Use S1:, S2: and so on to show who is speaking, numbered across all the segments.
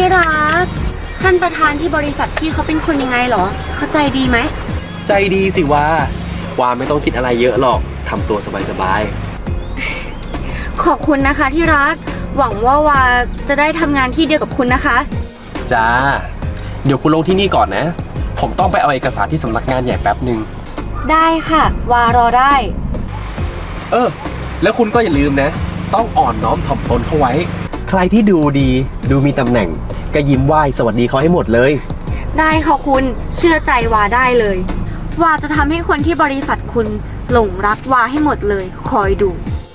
S1: รักท่านประธานที่บริษัทพี่เขาเป็นคนยังไงเหรอเข้าใจดีไหม
S2: ใจดีสิวาไม่ต้องคิดอะไรเยอะหรอกทำตัวสบาย
S1: ขอบคุณนะคะที่รักหวังว่าวาจะได้ทำงานที่เดียวกับคุณนะคะ
S2: ๆจ้าเดี๋ยวคุณลงที่นี่ก่อนนะผมต้องไปเอาเอกสารที่สำนักงานใหญ่แป๊บหนึ่ง
S1: ได้ค่ะวารอได้
S2: แล้วคุณก็อย่าลืมนะต้องอ่อนน้อมถ่อมตนเข้าไว้ใครที่ดูดีดูมีตำแหน่งก็ยิ้มไหว้สวัสดีเขาให้หมดเลย
S1: ได้ค่ะคุณเชื่อใจวาได้เลยวาจะทำให้คนที่บริษัทคุณหลงรักวาให้หมดเลยคอยดู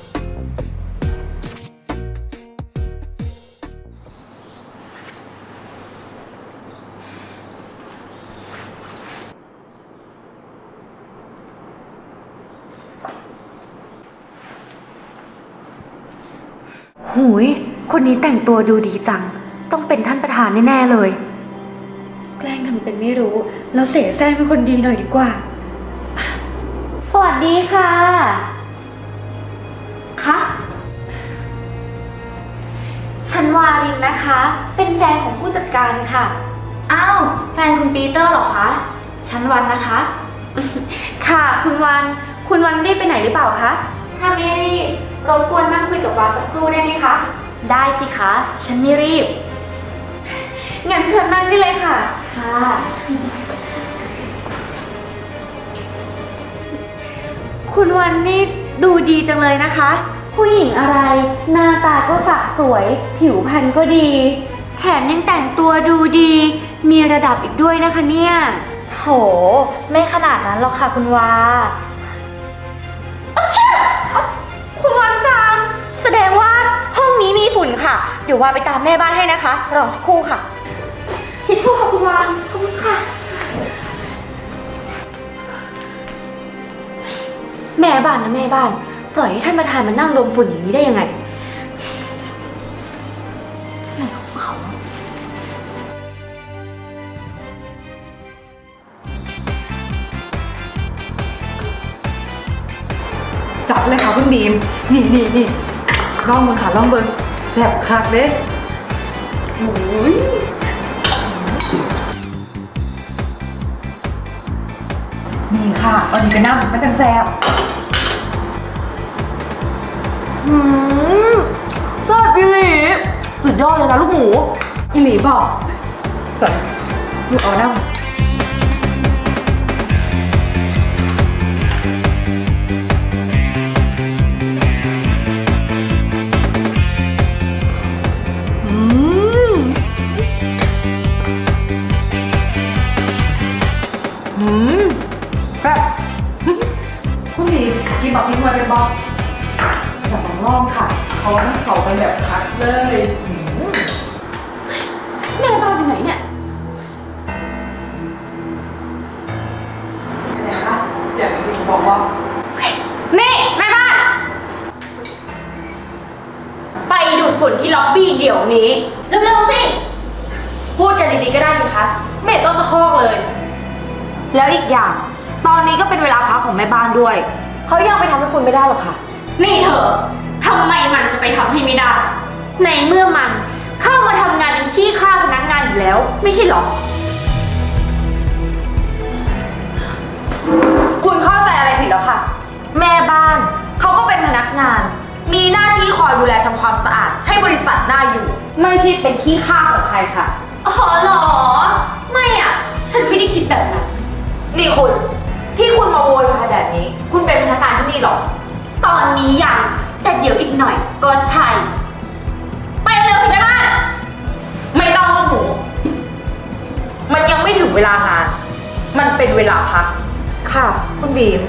S1: หูยคนนี้แต่งตัวดูดีจังต้องเป็นท่านประธานแน่ๆเลยแกล้งทำเป็นไม่รู้แล้วเสแสร้งเป็นคนดีหน่อยดีกว่าสวัสดีค่ะคะฉันวารินนะคะเป็นแฟนของผู้จัดการค่ะอ้าวแฟนคุณปีเตอร์เหรอคะฉันวันนะคะค่ะคุณวันไม่ได้ไปไหนหรือเปล่าคะถ้าไม่รีบรบกวนนั่งคุยกับวาสักครู่ได้ไหมคะได้สิคะฉันไม่รีบงั้นเชิญนั่งได้เลยค่ะค่ะคุณวันนี่ดูดีจังเลยนะคะผู้หญิงอะไรหน้าตาก็สะสวยผิวพรรณก็ดีแถมยังแต่งตัวดูดีมีระดับอีกด้วยนะคะเนี่ยโหไม่ขนาดนั้นหรอกค่ะคุณวาคุณวันจังแสดงว่าห้องนี้มีฝุ่นค่ะเดี๋ยววาไปตามแม่บ้านให้นะคะรอสักครู่ค่ะทิชชู่ค่ะคุณวานขอบคุณค่ะแม่บ้านนะแม่บ้านปล่อยให้ท่านประธานมานั่งดมฝุ่นอย่างนี้ได้ยังไงอะไรของเขา
S3: จัดเลยค่ะคุณบีมนี่ลองเบิ่งค่ะลองเบิ่งแซ่บคักเด้โอ้ยนี่ค่ะเอาดีไปน้ำมันจังแซ่บ
S1: แซ่บอีหลีสุดยอดเลยนะลูกหมู
S3: อีหลีบอกสั่นลูกเอาน้ำแซ่บคุณบีกินแบบทิ้งไว้เป็นบอกจะต้องลองค่ะเขากันแบบคัดเลย
S1: แม่บ้านไปไหนเนี่ย
S3: อะไรคะอยากจะชิมบอกว่า
S1: นี่แม่บ้านไปดูดฝุ่นที่ล็อบบี้เดี๋ยวนี้เร็วๆสิพูดกันดีๆก็ได้สิคะไม่ต้องตะคอกเลยแล้วอีกอย่างตอนนี้ก็เป็นเวลาพักของแม่บ้านด้วยเขายังไปทำให้คุณไม่ได้หรอกค่ะนี่เธอทำไมมันจะไปทำให้ไม่ได้ในเมื่อมันเข้ามาทำงานเป็นขี้ข้าพนักงานอยู่แล้วไม่ใช่หรอคุณเข้าใจอะไรผิดแล้วค่ะแม่บ้านเขาก็เป็นพนักงานมีหน้าที่คอยดูแลทำความสะอาดให้บริษัทน่าอยู่ไม่ใช่เป็นขี้ข้าของใครค่ะอ๋อเหรอไม่อ่ะฉันไม่ได้คิดแบบนั้นนี่คุณที่คุณมาโวยวายแบบนี้คุณเป็นพนักงานที่นี่หรอตอนนี้ยังแต่เดี๋ยวอีกหน่อยก็ใช่ไปเร็วสิแม่บ้านไม่ต้องลูกหมูมันยังไม่ถึงเวลางานมันเป็นเวลาพัก
S3: ค่ะคุณบีม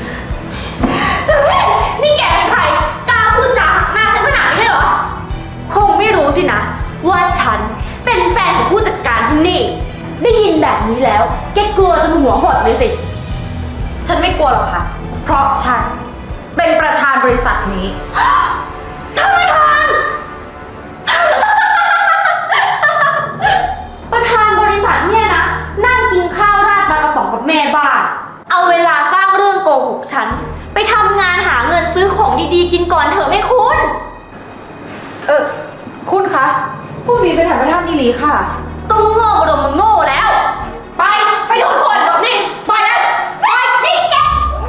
S1: นี่แกเป็นใครกล้าพูดจาหักหน้าฉันขนาดนี้เลยเหรอคงไม่รู้สินะว่าฉันเป็นแฟนของผู้จัดการที่นี่ได้ยินแบบนี้แล้วแกกลัวจนหัวหดเลยสิฉันไม่กลัวหรอกค่ะเพราะฉันเป็นประธานบริษัทนี้ท่านประธาน ประธานบริษัทเนี่ยนะนั่งกินข้าวราดปลากระป๋องกับแม่บ้านเอาเวลาสร้างเรื่องโกหกฉันไปทำงานหาเงินซื้อของดีๆกินก่อนเถอะแม่คุณ
S3: คุณคะคุณบีมเป็นท่านประธานอีหลีค่ะ
S1: ตุ้งโง่ดมมึงโง่แล้ว ไปโดนคนนี่ปล่อยนะปล่อยนี่แก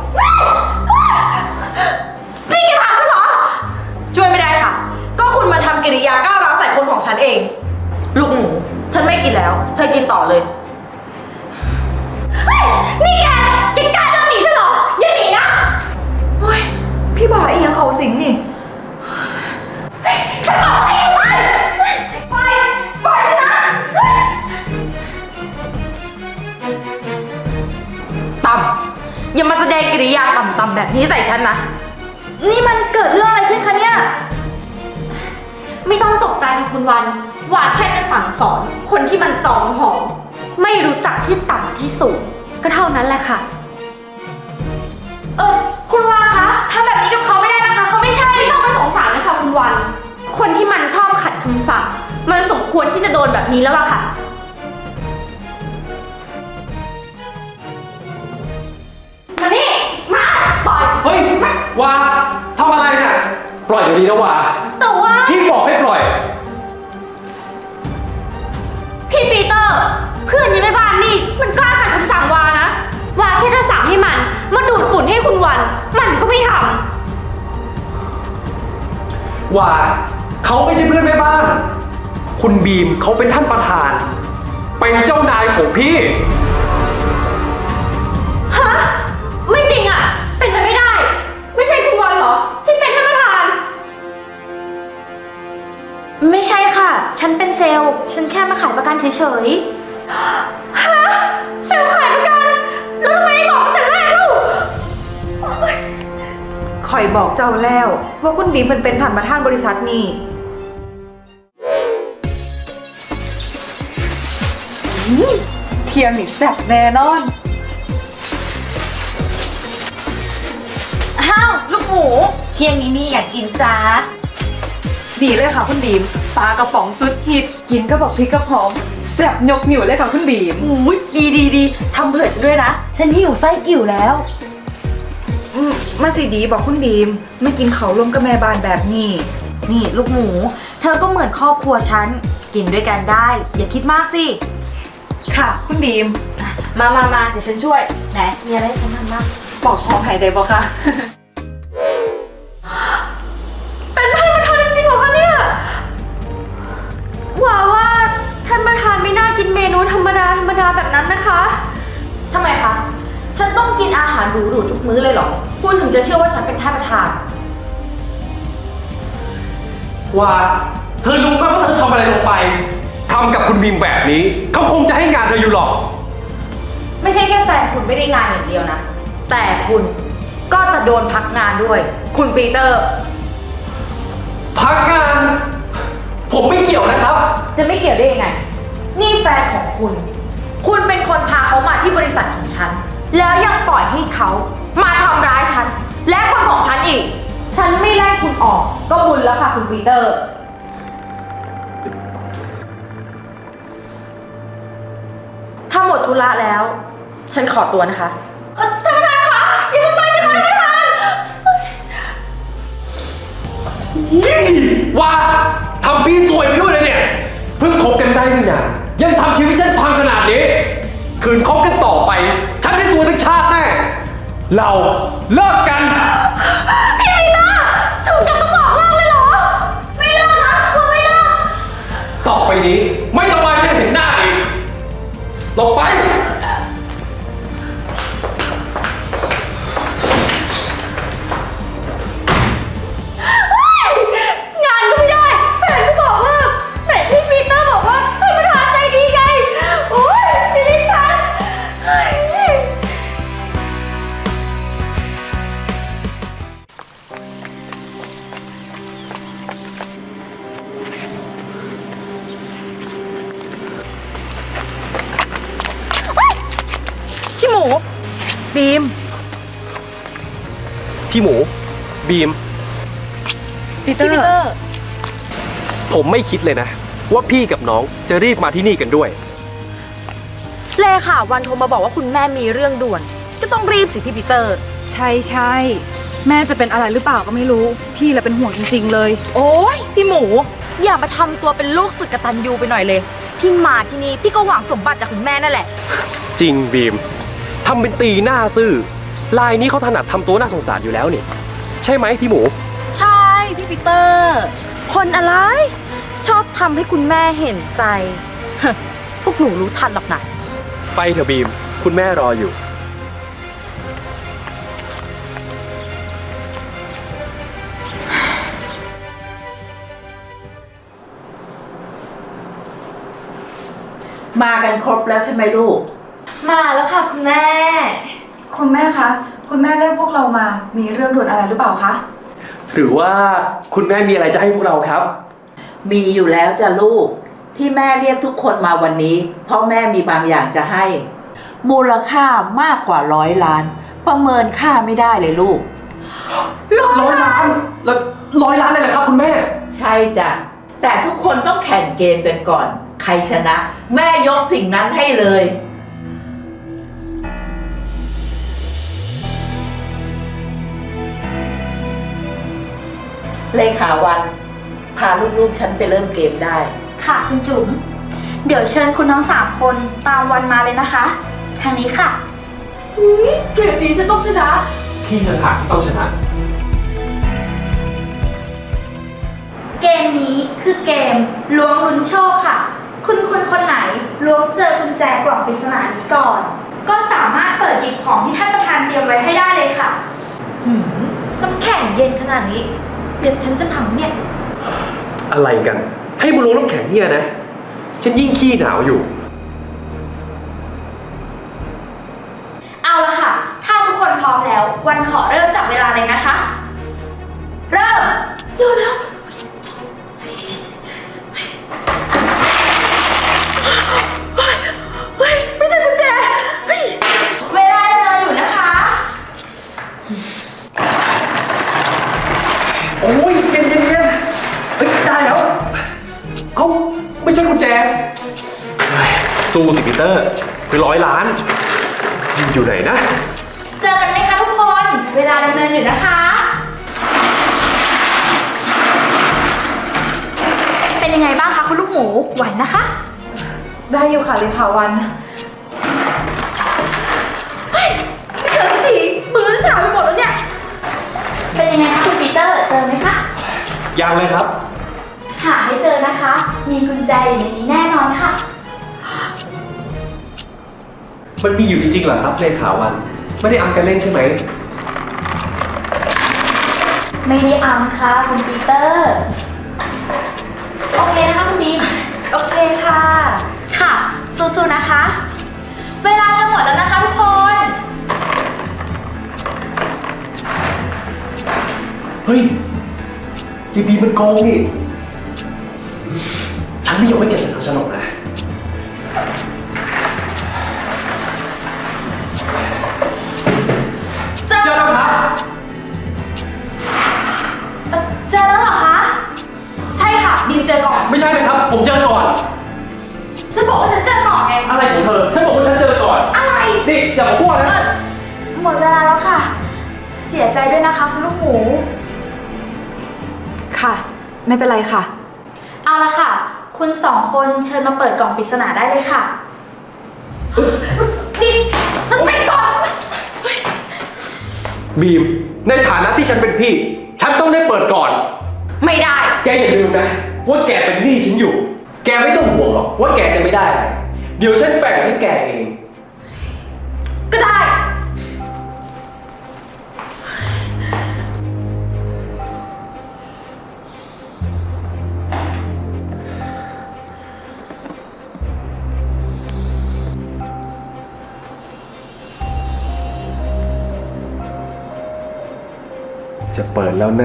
S1: นี่แกพาฉันเหรอ ช่วยไม่ได้ค่ะ ก็คุณมาทำกิริยาก้าวร้าวใส่คนของฉันเอง ลูกหมูฉันไม่กินแล้ว เธอกินต่อเลย นี่แกกล้าเดินหนีฉันเหรอ อย่าหนีนะ
S3: เฮ้ย พี่บ่าอีหยังเขาสิงนี่
S1: ฉันบอกให้ไปฉันนะต่ำอย่ามาแสดงกิริยาต่ำๆแบบนี้ใส่ฉันนะ นี่มันเกิดเรื่องอะไรขึ้นคะเนี่ย ไม่ต้องตกใจคุณวันว่าแค่จะสั่งสอนคนที่มันจองหองไม่รู้จักที่ต่ำที่สูงก็เท่านั้นแหละค่ะ คุณวาคะทำแบบนี้กับเขาไม่ได้นะคะเขาไม่ใช่ไม่ต้องไปสงสารนะคะคุณวัน คนที่มันชอบขัดคำสั่งมันสมควรที่จะโดนแบบนี้แล้วล่ะค่ะ มานี่มาปล่อย
S2: เฮ้ย วาทำอะไรเนี่ย ปล่อยเดี๋ยวนี้นะวา
S1: แต่ว่า
S2: พี่บอกให้ปล่อย
S1: พี่ปีเตอร์ เพื่อนยังไม่บ้านนี่มันกล้าขัดคำสั่งวานะวาแค่จะสั่งให้มันมาดูดฝุ่นให้คุณวันมันก็ไม่ทำ
S2: ว่าเขาไม่ใช่เพื่อนแม่บ้าน คุณบีมเขาเป็นท่านประธาน เป็นเจ้านายของพี่
S1: ฮะ ไม่จริงอ่ะ เป็นไปไม่ได้ ไม่ใช่คุณวันเหรอ ที่เป็นท่านประธาน ไม่ใช่ค่ะ ฉันเป็นเซลล์ ฉันแค่มาขายประกันเฉยๆ ฮะ เซลล์ขายประกัน แล้วทำไมไม่บอกตั้งแต่แรกลูก
S3: คอยบอกเจ้าแล้ว ว่าคุณบีมมันเป็นท่านประธานบริษัทนี่เที่ยงนี่แซ่บแน่นอน
S1: อ้าว ลูกหมู เที่ยงนี้มีอยากกินจ้า
S3: ดีเลยค่ะคุณบีมปลากระป๋องสุดฮิตกินก็บอกพริกกระหอมแซ่บยกนิ้วเลยค่ะคุณบีม
S1: อุ้ยดีทำเผื่อฉันด้วยนะ ฉันหิวไส้กิ่วแล้ว
S3: มาสิดีบอกคุณบีมไม่กินเขาลมกับแม่บ้านแบบนี้
S1: นี่ลูกหมู เธอก็เหมือนครอบครัวฉัน กินด้วยกันได้ อย่าคิดมากสิ
S3: ค่ะ คุณบีม
S1: มาเดี๋ยวฉันช่วย ไหน มีอะไรให้ฉันทำบ้าง
S3: ปอกหอมหายได้บ่คะ
S1: เป็นท่านประธานจริงๆเหรอคะเนี่ยว่าท่านประธานไม่น่ากินเมนูธรรมดาแบบนั้นนะคะทำไมคะ ฉันต้องกินอาหารหรูๆทุกมื้อเลยเหรอ คุณถึงจะเชื่อว่าฉันเป็นท่านประธาน
S2: ว่าเธอรู้ไหมว่าเธอทำอะไรลงไป ทำกับคุณบีมแบบนี้ เขาคงจะให้งานเธออยู่หรอก
S1: ไม่ใช่แค่แฟนคุณไม่ได้งานอย่างเดียวนะ แต่คุณก็จะโดนพักงานด้วย คุณปีเตอร์
S2: พักงาน ผมไม่เกี่ยวนะครับ
S1: จะไม่เกี่ยวได้ยังไง นี่แฟนของคุณ คุณเป็นคนพาเขามาที่บริษัทของฉัน แล้วยังปล่อยให้เขามาทำร้ายฉัน และคนของฉันอีก ฉันไม่ไล่คุณออก ก็บุญแล้วค่ะคุณปีเตอร์ ถ้าหมดธุระแล้ว ฉันขอตัวนะคะท่านประธานคะอย่าทำไปสิคะท่านประธาน
S2: ว่าทำพี่ซวยไปด้วยเลยเนี่ย เพิ่งคบกันได้ไม่นานยังทำชีวิตฉันพังขนาดนี้ คืนคบกันต่อไป ฉันได้ซวยทั้งชาติแน่ เราเลิกกัน
S1: พี่ปีเตอร์ถึงกับต้องบอกเลิกเลยเหรอ ไม่เลิกนะเราไม่เลิก
S2: ต่อไปนี้ไม่ต้องมาให้ฉันเห็นหน้าอีกลงไป
S1: งานก็ไม่ได้แฟนก็บอกเลิกแต่พี่ปีเตอร์บอกว่าท่านประธานใจดีไง โอ๊ยชีวิตฉัน พี่หมู
S3: บีม
S2: พี่หมู บีม
S3: ปีเตอ
S1: พี่ปีเตอ
S3: ร์
S1: ร์
S2: ผมไม่คิดเลยนะ ว่าพี่กับน้องจะรีบมาที่นี่กันด้วย
S1: เลค่ะวันโทรมาบอกว่าคุณแม่มีเรื่องด่วน ก็ต้องรีบสิพี่ปีเตอร์
S3: ใช่แม่จะเป็นอะไรหรือเปล่าก็ไม่รู้ พี่แหละเป็นห่วงจริงๆเลย
S1: โอ้ยพี่หมู อย่ามาทำตัวเป็นลูกสุดกตัญญูไปหน่อยเลย ที่มาที่นี่พี่ก็หวังสมบัติจากคุณแม่นั่นแหละ
S2: จริงบีมทำเป็นตีหน้าซื่อลายนี้เขาถนัดทำตัวน่าสงสารอยู่แล้วนี่ใช่ไหมพี่หมู
S1: ใช่พี่ปีเตอร์ คนอะไร ชอบทำให้คุณแม่เห็นใจ พวกหนูรู้ทันหรอกนะ
S2: ไปเถอะบีมคุณแม่รออยู่
S4: มากันครบแล้วใช่ไหมลูก
S1: มาแล้วค่ะคุณแม่
S3: คุณแม่คะ คุณแม่เรียกพวกเรามา มีเรื่องด่วนอะไรหรือเปล่าคะ
S2: หรือว่าคุณแม่มีอะไรจะให้พวกเราครับ
S4: มีอยู่แล้วจ้ะลูก ที่แม่เรียกทุกคนมาวันนี้ เพราะแม่มีบางอย่างจะให้ มูลค่ามากกว่า100 ล้าน ประเมินค่าไม่ได้เลยลูก
S2: 100 ล้านแล้ว100 ล้านเลยเหรอครับคุณแม่
S4: ใช่จ้ะ แต่ทุกคนต้องแข่งเกมกันก่อน ใครชนะ แม่ยกสิ่งนั้นให้เลย เลขาวัน พาลูกๆฉันไปเริ่มเกมได้
S5: ค่ะคุณจุ๋ม เดี๋ยวเชิญคุณทั้ง3 คนตามวันมาเลยนะคะ ทางนี้ค่ะ
S4: เกมนี้ฉันต้องชนะ
S2: พี่ต่างหากที่ต้องชนะ
S5: เกมนี้คือเกมล้วงลุ้นโชคค่ะ คุณคนไหนล้วงเจอกุญแจกล่องปริศนานี้ก่อน ก็สามารถเปิดหยิบของที่ท่านประธานเตรียมไว้ให้ได้เลยค่ะ
S1: น้ำแข็งเย็นขนาดนี้ เดี๋ยวฉันจะพังเนี่ย
S2: อะไรกัน ให้มาลงน้ำแข็งเนี่ยนะ ฉันยิ่งขี้หนาวอยู่
S5: เอาละค่ะ ถ้าทุกคนพร้อมแล้ว วันขอเริ่มจับเวลาเลยนะคะ เริ่มเร็วแล้วเฮ้ยไม่ใช่กุญแจเฮ้ยเวลาดำเนินอยู่นะคะ
S2: โอ้ยเย็นเฮ้ยได้แล้ว เอ้าไม่ใช่กุญแจเฮ้ยสู้สิปีเตอร์คือ100 ล้าน อยู่ไหนนะ
S5: เจอกันไหมคะทุกคน เวลาดำเนินอยู่นะคะ เป็นยังไงบ้างคะคุณลูกหมู ไหวนะคะ
S3: ได้อยู่ค่ะเลขาวัน
S5: ไม่เจอสักทีมือฉาไปหมดแล้วเนี่ย เป็นยังไงคะคุณปีเตอร์ เจอไหมคะ
S2: ยังเลยครับ
S5: หาให้เจอนะคะ มีกุญแจอยู่ในนี้แน่นอนค่ะ
S2: มันมีอยู่จริงๆเหรอครับเลขาวัน ไม่ได้อำกันเล่นใช่ไหม
S5: ไม่ได้อำค่ะคุณปีเตอร์ โอเคนะคะคุณบีม
S1: โอเคค่ะ
S5: ค่ะ สู้ๆนะคะ เวลาจะหมดแล้วนะคะทุกคน
S2: เฮ้ยยีบีมันโกงนี่ ฉันไม่ยอมให้แกชนะฉันหรอกนะ
S5: เจอ
S2: เจอแล้วครับ
S5: เจอแล้วเหรอคะ ใช่ค่ะบีมเจอก่อน
S2: ไม่ใช่นะครับ ผมเจอก่อน
S5: ฉันบอกว่าฉันเจอก่อนไง
S2: อะไรของเธอ ฉันบอกว่าฉันเจอก่อน
S5: อะไร
S2: นี่อย่ามาพูดนะ
S5: หมดเวลาแล้วค่ะ เสียใจด้วยนะคะคุณลูกหมู
S3: ค่ะ ไม่เป็นไรค่ะ
S5: เอาละค่ะ คุณ2 คนเชิญมาเปิดกล่องปริศนาได้เลยค่ะ นี่ฉันไปก่อน
S2: บีม ในฐานะที่ฉันเป็นพี่ ฉันต้องได้เปิดก่อน
S1: ไม่ได้
S2: แกอย่าลืมนะ ว่าแกเป็นหนี้ฉันอยู่ แกไม่ต้องห่วงหรอกว่าแกจะไม่ได้อะไรเดี๋ยวฉันแบ่งให้แกเอง
S1: ก็ได้
S2: จะเปิดแล้วนะ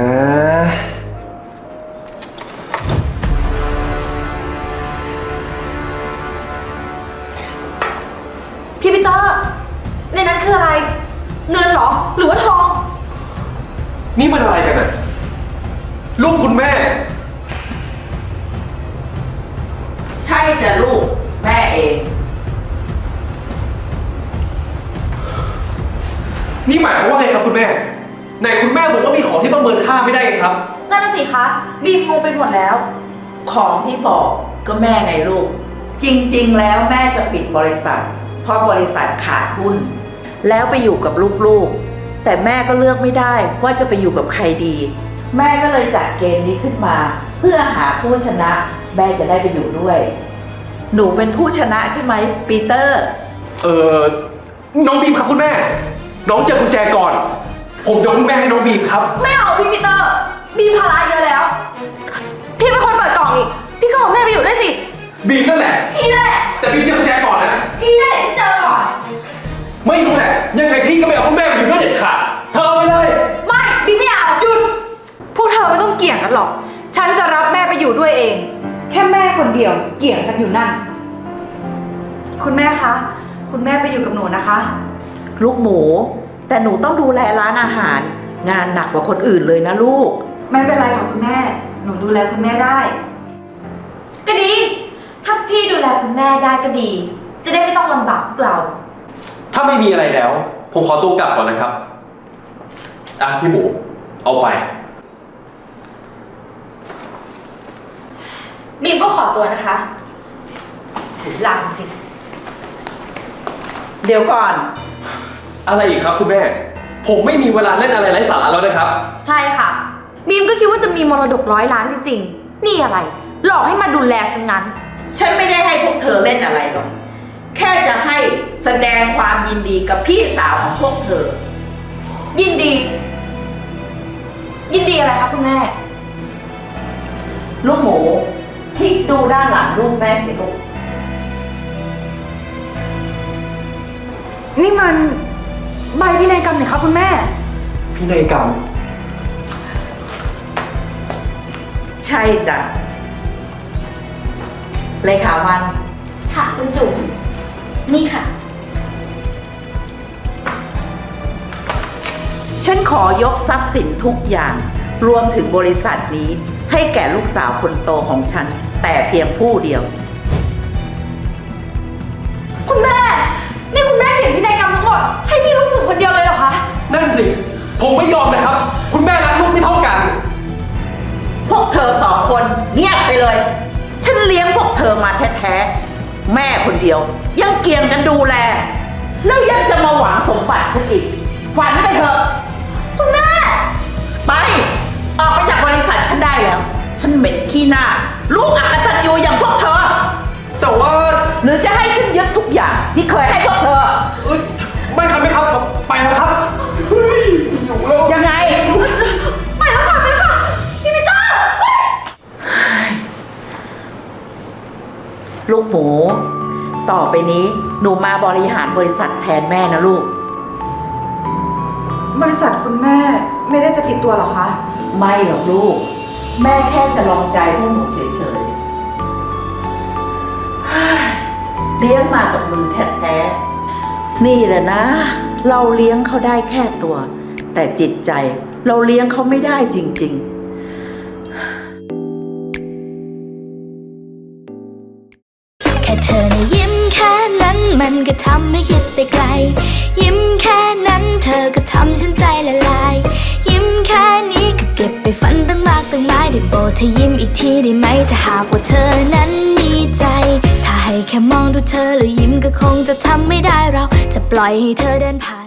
S1: พี่ปีเตอร์ ในนั้นคืออะไร เงินเหรอ หรือว่าทอง
S2: นี่มันอะไรกันน่ะลูกคุณแม่
S4: ใช่จ้ะลูก แม่เอง
S2: นี่หมายความว่าไงครับคุณแม่ไหนคุณแม่บอกว่ามีของที่ประเมินค่าไม่ได้ไงครับ
S1: นั่นน่ะสิคะบีมงงไปหมดแล้ว
S4: ของที่บอกก็แม่ไงลูก จริงๆ แล้วแม่จะปิดบริษัท เพราะบริษัทขาดหุ้น แล้วไปอยู่กับลูกๆ แต่แม่ก็เลือกไม่ได้ว่าจะไปอยู่กับใครดี แม่ก็เลยจัดเกมนี้ขึ้นมา เพื่อหาผู้ชนะ แม่จะได้ไปอยู่ด้วย หนูเป็นผู้ชนะใช่ไหมปีเตอร์
S2: น้องบีมครับคุณแม่ น้องเจอกุญแจก่อน ผมยกคุณแม่ให้น้องบีมครับ
S1: ไม่เอาพี่ปีเตอร์บีมภาระเยอะแล้ว พี่เป็นคนเปิดกล่องอีกพี่ก็เอาแม่ไปอยู่ด้วยสิ
S2: บีมนั่นแหละ
S1: พี่นั่นแหละ
S2: แต่บีมเจอกุญแจก่อนนะ
S1: พี่นั่นแหละที่เจอก่อน
S2: ไม่รู้แหละ ยังไงพี่ก็ไม่เอาคุณแม่ไปอยู่ด้วยเด็ดขาดเธอเอาไปเลย
S1: ไม่บีมไม่เอาหยุดพวกเธอไม่ต้องเกี่ยงกันหรอก ฉันจะรับแม่ไปอยู่ด้วยเอง แค่แม่คนเดียวเกี่ยงกันอยู่นั่น คุณแม่คะ คุณแม่ไปอยู่กับหนูนะคะ
S4: ลูกหมู แต่หนูต้องดูแลร้านอาหาร งานหนักกว่าคนอื่นเลยนะลูก
S1: ไม่เป็นไรค่ะคุณแม่ หนูดูแลคุณแม่ได้ ก็ดี ถ้าพี่ดูแลคุณแม่ได้ก็ดี จะได้ไม่ต้องลำบากพวกเรา
S2: ถ้าไม่มีอะไรแล้ว ผมขอตัวกลับก่อนนะครับ อ่ะพี่หมู เอาไป
S1: บีมก็ขอตัวนะคะเสียหลังจริง
S4: เดี๋ยวก่อน
S2: อะไรอีกครับคุณแม่ ผมไม่มีเวลาเล่นอะไรไร้สาระแล้วนะครับ
S1: ใช่ค่ะ บีมก็คิดว่าจะมีมรดก100 ล้านจริงๆ นี่อะไร หลอกให้มาดูแลซะงั้น
S4: ฉันไม่ได้ให้พวกเธอเล่นอะไรหรอก แค่จะให้แสดงความยินดีกับพี่สาวของพวกเธอ
S1: ยินดี ยินดีอะไรคะคุณแม่
S4: ลูกหมูพลิกดูด้านหลังลูกแม่สิลูก
S1: นี่มันใบพินัยกรรมเนี่ยคะคุณแม่
S2: พี่นายกรรม
S4: ใช่จ้ะเลขาวัน
S5: ค่ะคุณจุ๋มนี่ค่ะ
S4: ฉันขอยกทรัพย์สินทุกอย่าง รวมถึงบริษัทนี้ ให้แก่ลูกสาวคนโตของฉัน แต่เพียงผู้เดียว
S1: คุณแม่ นี่คุณแม่เขียนพินัยกรรมทั้งหมดให้พี่ลูกหมูคนเดียวเลยเหรอคะ
S2: นั่นสิ ผมไม่ยอมนะครับ คุณแม่รักลูกไม่เท่ากัน
S4: พวกเธอสองคนเงียบไปเลย ฉันเลี้ยงพวกเธอมาแท้ๆ แม่คนเดียว ยังเกี่ยงกันดูแล แล้วยังจะมาหวังสมบัติฉันอีก ฝันไปเถอะ
S1: คุณแม่
S4: ไป ออกไปจากบริษัทฉันได้แล้ว ฉันเหม็นขี้หน้า ลูกอักตันยูอย่างพวกเธอ
S2: แต่ว่า
S4: หรือจะให้ฉันยึดทุกอย่างที่เคยให้พวกเธอ
S2: ไม่ครับไม่ครับ ไปแล้วครับ เฮ้ยอยู่แล้ว
S4: ยังไง
S1: ไปแล้วค่ะไปแล้วค่ะพี่ปีเตอร์เฮ้ย
S4: ลูกหมู ต่อไปนี้หนูมาบริหารบริษัทแทนแม่นะลูก
S1: บริษัทคุณแม่ไม่ได้จะผิดตัวหรอคะ
S4: ไม่หรอกลูก แม่แค่จะลองใจพวกหนูเฉยๆ เลี้ยงมากับมือแท้ๆ นี่แหละนะ เราเลี้ยงเขาได้แค่ตัว แต่จิตใจเราเลี้ยงเขาไม่ได้จริงๆ
S6: แค่เธอนะยิ้มแค่นั้นมันก็ทำให้คิดไปไกล ยิ้มแค่นั้นเธอก็ทำฉันใจละลาย ยิ้มแค่นี้ก็เก็บไปฝันตั้งมากตั้งหลายได้โปรดเธอยิ้มอีกทีได้ไหมถ้าหากว่าเธอนั้นมีใจ ถ้าให้แค่มองดูเธอแล้วยิ้มก็คงจะทำไม่ได้เราจะปล่อยให้เธอเดินผ่าน